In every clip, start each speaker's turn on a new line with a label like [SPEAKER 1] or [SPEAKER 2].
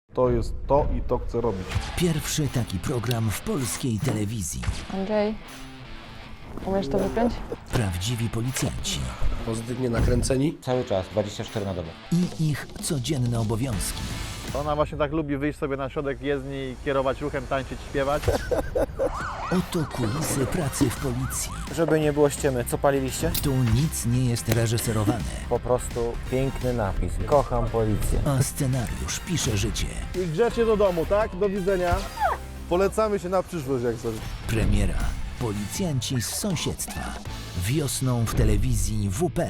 [SPEAKER 1] To jest to i to chcę robić.
[SPEAKER 2] Pierwszy taki program w polskiej telewizji.
[SPEAKER 3] Andrzej, umiesz to wypiąć?
[SPEAKER 2] Prawdziwi policjanci
[SPEAKER 4] Pozytywnie nakręceni.
[SPEAKER 5] Cały czas, 24 na dobę.
[SPEAKER 2] i ich codzienne obowiązki.
[SPEAKER 6] Ona właśnie tak lubi wyjść sobie na środek jezdni i kierować ruchem, tańczyć, śpiewać.
[SPEAKER 2] Oto kulisy pracy w policji.
[SPEAKER 7] Żeby nie było ściemy, co paliliście?
[SPEAKER 2] Tu nic nie jest reżyserowane,
[SPEAKER 7] Po prostu piękny napis. Kocham policję.
[SPEAKER 2] a scenariusz pisze życie.
[SPEAKER 1] I grzecznie do domu, tak? Do widzenia. Polecamy się na przyszłość, jak coś.
[SPEAKER 2] Premiera. Policjanci z sąsiedztwa. Wiosną w telewizji WP.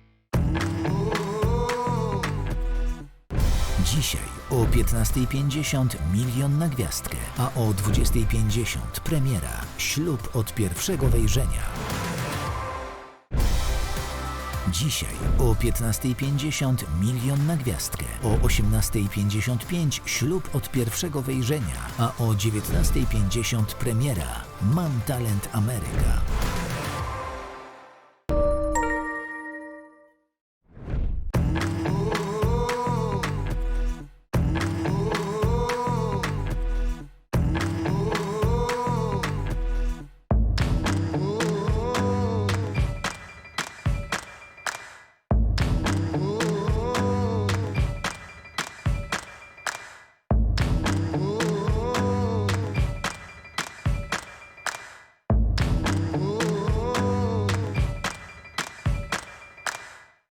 [SPEAKER 2] Dzisiaj o 15:50 Milion na gwiazdkę, a o 20:50 premiera Ślub od pierwszego wejrzenia. Dzisiaj o 15:50 Milion na gwiazdkę, o 18:55 Ślub od pierwszego wejrzenia, a o 19:50 premiera Mam talent Ameryka.